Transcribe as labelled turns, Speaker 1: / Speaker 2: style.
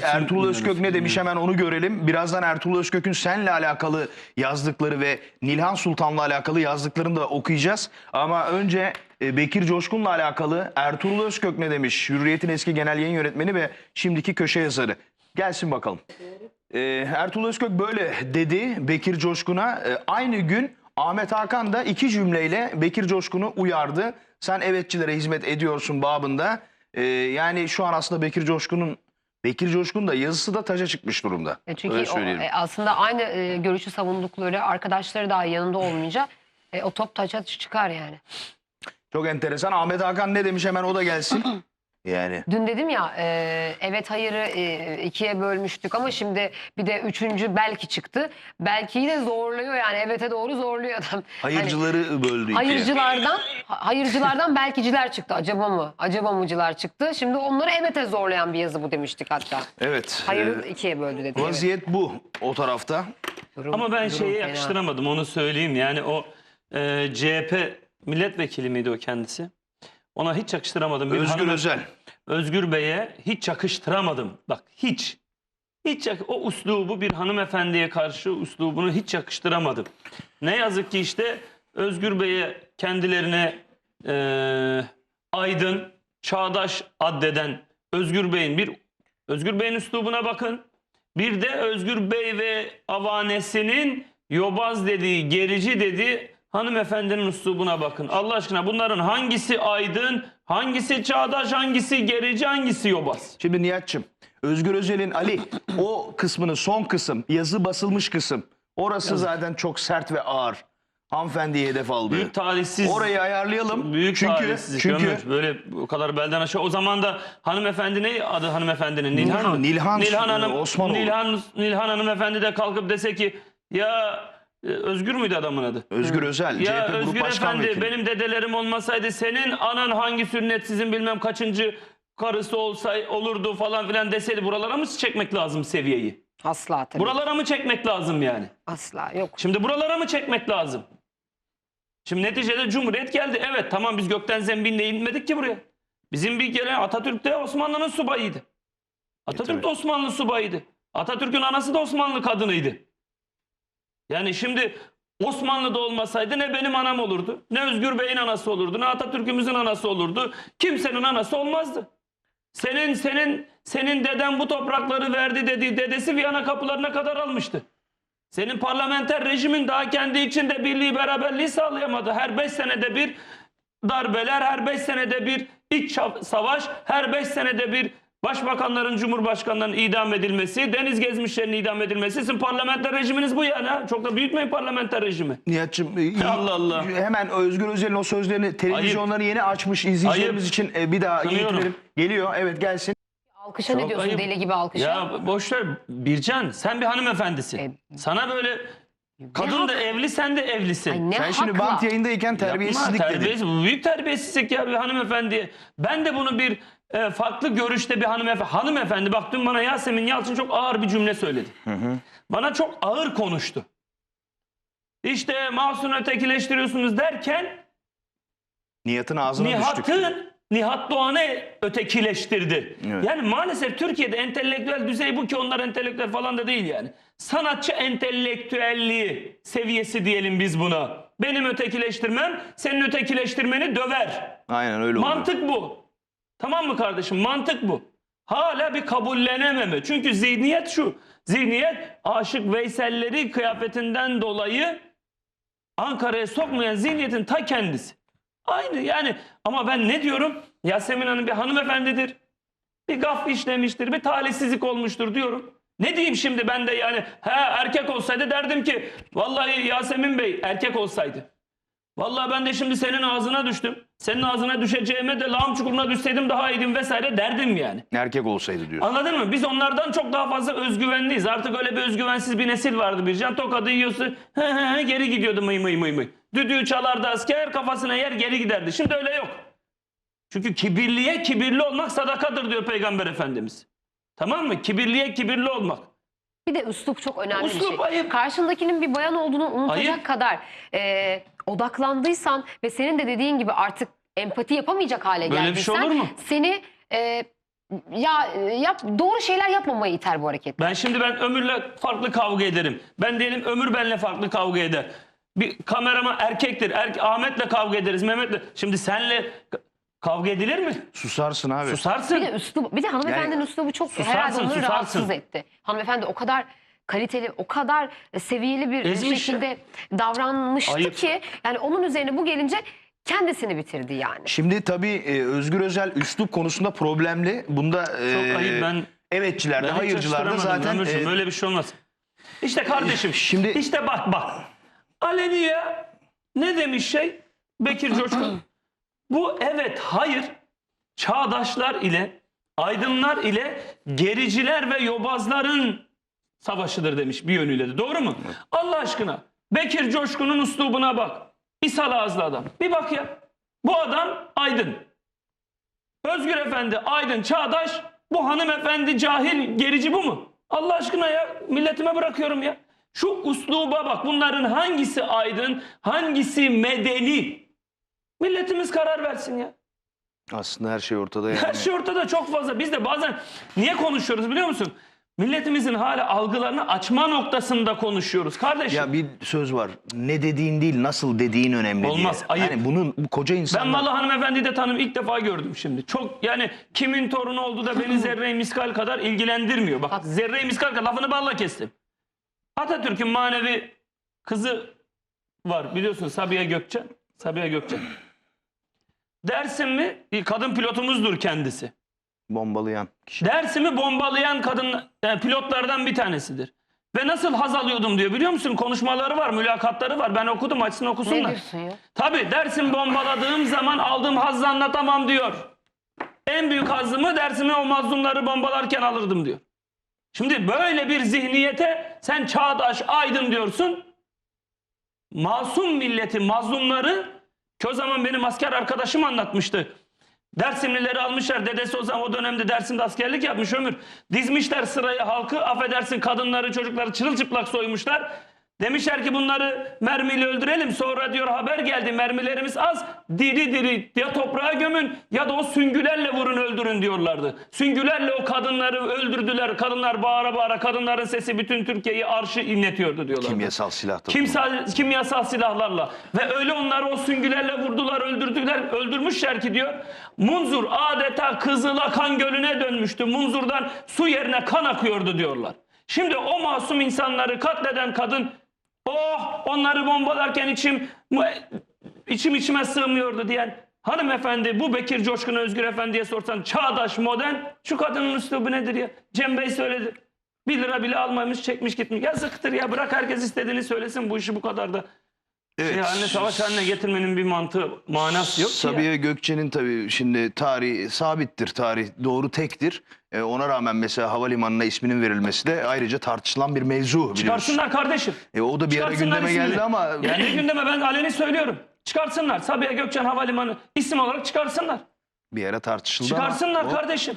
Speaker 1: Ertuğrul Özkök ne demiş, hemen onu görelim. Birazdan Ertuğrul Özkök'ün seninle alakalı yazdıkları ve Nilhan Sultan'la alakalı yazdıklarını da okuyacağız. Ama önce Bekir Coşkun'la alakalı Ertuğrul Özkök ne demiş? Hürriyet'in eski genel yayın yönetmeni ve şimdiki köşe yazarı. Gelsin bakalım. Ertuğrul Özkök böyle dedi Bekir Coşkun'a. Aynı gün Ahmet Hakan da iki cümleyle Bekir Coşkun'u uyardı. Sen evetçilere hizmet ediyorsun babında. Yani şu an aslında Bekir Coşkun da yazısı da taca çıkmış durumda.
Speaker 2: Çünkü aslında aynı görüşü savundukları arkadaşları daha yanında olmayınca o top taça çıkar yani.
Speaker 1: Çok enteresan. Ahmet Hakan ne demiş, hemen o da gelsin. Yani.
Speaker 2: Dün dedim ya evet hayırı ikiye bölmüştük ama şimdi bir de üçüncü belki çıktı. Belki'yi de zorluyor yani, evete doğru zorluyor adam.
Speaker 1: Hayırcıları
Speaker 2: hani,
Speaker 1: böldü ikiye.
Speaker 2: Hayırcılardan belkiciler çıktı. Acaba mı? Acaba mıcılar çıktı. Şimdi onları evete zorlayan bir yazı bu demiştik hatta.
Speaker 1: Evet.
Speaker 2: Hayır ikiye böldü dedi.
Speaker 1: Vaziyet evet. Bu o tarafta.
Speaker 3: Ama ben şeye yakıştıramadım, onu söyleyeyim. Yani o CHP milletvekili miydi o kendisi? Ona hiç yakıştıramadım.
Speaker 1: Özgür Özel.
Speaker 3: Özgür Bey'e hiç yakıştıramadım. Bak hiç. O uslubu, bir hanımefendiye karşı uslubunu hiç yakıştıramadım. Ne yazık ki işte Özgür Bey'e kendilerine aydın, çağdaş addeden Özgür Bey'in üslubuna bakın. Bir de Özgür Bey ve avanesinin yobaz dediği, gerici dediği hanımefendinin üslubuna bakın. Allah aşkına bunların hangisi aydın, hangisi çağdaş, hangisi gerici, hangisi yobaz?
Speaker 1: Şimdi Nihat'cığım, Özgür Özel'in Ali o kısmını, son kısım, yazı basılmış kısım, orası zaten çok sert ve ağır. Hanımefendiye hedef aldı.
Speaker 3: Büyük talihsiz.
Speaker 1: Orayı ayarlayalım.
Speaker 3: Büyük çünkü böyle o kadar belden aşağı. O zaman da hanımefendi, ne adı hanımefendinin? Nilhan Hanım.
Speaker 1: Osmanoğlu.
Speaker 3: Nilhan hanımefendi de kalkıp dese ki ya Özgür müydü adamın adı?
Speaker 1: Özgür Özel.
Speaker 3: Ya
Speaker 1: CHP
Speaker 3: Özgür
Speaker 1: Grup Başkan
Speaker 3: Efendi,
Speaker 1: Vekili.
Speaker 3: benim dedelerim olmasaydı senin anan hangi sünnetsizin bilmem kaçıncı karısı olurdu falan filan deseydi, buralara mı çekmek lazım seviyeyi?
Speaker 2: Asla tabii.
Speaker 3: Buralara mı çekmek lazım yani?
Speaker 2: Asla yok.
Speaker 3: Şimdi buralara mı çekmek lazım? Şimdi neticede Cumhuriyet geldi. Evet tamam, biz gökten zembille inmedik ki buraya. Bizim bir kere Atatürk de Osmanlı'nın subayıydı. Atatürk de Osmanlı subayıydı. Atatürk'ün anası da Osmanlı kadınıydı. Yani şimdi Osmanlı'da olmasaydı ne benim anam olurdu, ne Özgür Bey'in anası olurdu, ne Atatürk'ümüzün anası olurdu. Kimsenin anası olmazdı. Senin deden bu toprakları verdi dediği dedesi Viyana kapılarına kadar almıştı. Senin parlamenter rejimin daha kendi içinde birliği, beraberliği sağlayamadı. Her 5 senede bir darbeler, her 5 senede bir iç savaş, her 5 senede bir başbakanların, cumhurbaşkanlarının idam edilmesi, deniz gezmişlerin idam edilmesi. Sizin parlamenter rejiminiz bu yani. Çok da büyütmeyin parlamenter rejimi.
Speaker 1: Nihat'cığım,
Speaker 3: Allah Allah.
Speaker 1: Hemen Özgür Özel'in o sözlerini, televizyonları yeni açmış izleyicilerimiz için bir daha iletmeyelim. Geliyor, evet gelsin.
Speaker 2: Alkışa
Speaker 3: Çok
Speaker 2: ne diyorsun
Speaker 3: ayıp.
Speaker 2: deli gibi alkışa?
Speaker 3: Ya boşver Bircan, sen bir hanımefendisin. Sana böyle kadın da evli, sen de evlisin.
Speaker 2: Ay ne
Speaker 1: Sen şimdi
Speaker 2: hakla?
Speaker 1: bant yayındayken terbiyesizlik dedin.
Speaker 3: Bu büyük terbiyesizlik ya, bir hanımefendiye. Ben de bunu bir farklı görüşte bir hanımefendi bak, dün bana Yasemin Yalçın çok ağır bir cümle söyledi. Bana çok ağır konuştu. İşte Mahsun'u ötekileştiriyorsunuz derken
Speaker 1: Nihat'ın ağzına düştük.
Speaker 3: Nihat Doğan'ı ötekileştirdi.
Speaker 1: Evet.
Speaker 3: Yani maalesef Türkiye'de entelektüel düzey bu ki onlar entelektüel falan da değil yani. Sanatçı entelektüelliği seviyesi diyelim biz buna. Benim ötekileştirmem senin ötekileştirmeni döver.
Speaker 1: Aynen öyle oldu.
Speaker 3: Mantık bu. Tamam mı kardeşim? Mantık bu. Hala bir kabullenememe. Çünkü zihniyet şu. Zihniyet Aşık Veysel'leri kıyafetinden dolayı Ankara'ya sokmayan zihniyetin ta kendisi. Aynı yani, ama ben ne diyorum? Yasemin Hanım bir hanımefendidir. Bir gaf işlemiştir, bir talihsizlik olmuştur diyorum. Ne diyeyim şimdi ben de yani? Erkek olsaydı derdim ki vallahi Yasemin Bey erkek olsaydı. Vallahi ben de şimdi senin ağzına düştüm. Senin ağzına düşeceğime de lağım çukuruna düşseydim daha iyiydim vesaire derdim yani.
Speaker 1: Erkek olsaydı diyorsun.
Speaker 3: Anladın mı? Biz onlardan çok daha fazla özgüvenliyiz. Artık öyle bir özgüvensiz bir nesil vardı Bircan. Tokadı yiyorsun, geri gidiyordu mıy mıy mıy mıy. Düdüğü çalardı asker, kafasına yer geri giderdi. Şimdi öyle yok. Çünkü kibirliye kibirli olmak sadakadır diyor Peygamber Efendimiz. Tamam mı? Kibirliye kibirli olmak.
Speaker 2: Bir de üslup çok önemli
Speaker 3: Üslup
Speaker 2: bir şey.
Speaker 3: ayıp.
Speaker 2: Karşındakinin bir bayan olduğunu unutacak
Speaker 3: Ayıp.
Speaker 2: kadar odaklandıysan ve senin de dediğin gibi artık empati yapamayacak hale
Speaker 3: Böyle bir şey
Speaker 2: geldiysen
Speaker 3: olur mu?
Speaker 2: seni doğru şeyler yapmamayı iter bu hareket.
Speaker 3: Ben Ömür'le farklı kavga ederim. Ben diyelim Ömür benle farklı kavga eder. Bir kameraman erkektir. Ahmet'le kavga ederiz. Mehmet'le. Şimdi senle kavga edilir mi?
Speaker 1: Susarsın abi.
Speaker 3: Susarsın.
Speaker 2: Bir de hanımefendinin üslubu çok herhalde onları
Speaker 3: susarsın.
Speaker 2: rahatsız etti. Hanımefendi o kadar kaliteli, o kadar seviyeli bir
Speaker 3: Ezmiş
Speaker 2: şekilde davranmıştı
Speaker 3: Ayıp.
Speaker 2: ki yani onun üzerine bu gelince kendisini bitirdi yani.
Speaker 1: Şimdi tabii Özgür Özel üslup konusunda problemli. Bunda
Speaker 3: Çok ayıp. Ben
Speaker 1: evetçilerde,
Speaker 3: hiç
Speaker 1: hayırcılarda
Speaker 3: açtıramadım
Speaker 1: zaten
Speaker 3: Ömürcüğüm, öyle bir şey olmaz. İşte kardeşim.
Speaker 1: Şimdi-
Speaker 3: işte bak. Aleniye ne demiş Bekir Coşkun? Bu evet hayır çağdaşlar ile aydınlar ile gericiler ve yobazların savaşıdır demiş bir yönüyle de. Doğru mu? Allah aşkına Bekir Coşkun'un üslubuna bak. İshal ağızlı adam. Bir bak ya. Bu adam aydın. Özgür Efendi aydın, çağdaş. Bu hanımefendi cahil, gerici bu mu? Allah aşkına ya, milletime bırakıyorum ya. Şu üsluba bak. Bunların hangisi aydın, hangisi medeni? Milletimiz karar versin ya.
Speaker 1: aslında her şey ortada yani.
Speaker 3: Her şey ortada çok fazla. Biz de bazen niye konuşuyoruz biliyor musun? Milletimizin hala algılarını açma noktasında konuşuyoruz kardeşim.
Speaker 1: Ya bir söz var. Ne dediğin değil, nasıl dediğin önemli
Speaker 3: Olmaz,
Speaker 1: diye.
Speaker 3: ayıp.
Speaker 1: Yani bu koca
Speaker 3: Ben
Speaker 1: insanlar...
Speaker 3: Malı hanımefendiyi de ilk defa gördüm şimdi. Çok yani kimin torunu oldu da beni zerre-i miskal kadar ilgilendirmiyor. Bak zerre-i miskal kadar lafını balla kestim. Atatürk'ün manevi kızı var biliyorsun Sabiha Gökçen. Sabiha Gökçen. Dersim bir kadın pilotumuzdur kendisi.
Speaker 1: Bombalayan kişi.
Speaker 3: Dersim'i bombalayan pilotlardan bir tanesidir. Ve nasıl haz alıyordum diyor biliyor musun? Konuşmaları var, mülakatları var. Ben okudum, açsın
Speaker 2: Ne
Speaker 3: okusunlar.
Speaker 2: diyorsun ya?
Speaker 3: Tabii dersim bombaladığım zaman aldığım hazzı anlatamam diyor. En büyük hazzımı dersimi o mazlumları bombalarken alırdım diyor. Şimdi böyle bir zihniyete sen çağdaş, aydın diyorsun. Masum milleti, mazlumları ki o zaman benim asker arkadaşım anlatmıştı. Dersimlileri almışlar. Dedesi o zaman o dönemde Dersim'de askerlik yapmış Ömür. Dizmişler sıraya halkı. Affedersin kadınları, çocukları çırılçıplak soymuşlar. Demişler ki bunları mermiyle öldürelim. Sonra diyor haber geldi mermilerimiz az. Diri diri ya toprağa gömün ya da o süngülerle vurun öldürün diyorlardı. Süngülerle o kadınları öldürdüler. Kadınlar bağıra bağıra kadınların sesi bütün Türkiye'yi arşı inletiyordu diyorlardı.
Speaker 1: Kimyasal silah da.
Speaker 3: Kimyasal silahlarla ve öyle onları o süngülerle vurdular, öldürmüşler ki diyor. Munzur adeta Kızıla kan gölüne dönmüştü. Munzur'dan su yerine kan akıyordu diyorlar. Şimdi o masum insanları katleden kadın onları bombalarken içime sığmıyordu diyen hanımefendi bu Bekir Coşkun Özgür Efendi'ye sorsan çağdaş modern şu kadının üslubu nedir ya? Cem Bey söyledi. 1 lira bile almamış çekmiş gitmiş. Yazıktır ya bırak herkes istediğini söylesin bu işi bu kadar da.
Speaker 1: Evet.
Speaker 3: Savaş haline getirmenin bir manası yok ki ya.
Speaker 1: Sabiha Gökçen'in tabii şimdi tarihi sabittir. Tarih doğru tektir. Ona rağmen mesela havalimanına isminin verilmesi de ayrıca tartışılan bir mevzu biliyorsun.
Speaker 3: Çıkarsınlar kardeşim.
Speaker 1: O da bir ara
Speaker 3: Çıkarsınlar
Speaker 1: gündeme
Speaker 3: ismini.
Speaker 1: geldi ama...
Speaker 3: Yani gündeme ben aleni söylüyorum. Çıkarsınlar. Sabiha Gökçen Havalimanı isim olarak çıkarsınlar.
Speaker 1: Bir ara tartışıldı ama
Speaker 3: Çıkarsınlar
Speaker 1: o-
Speaker 3: kardeşim.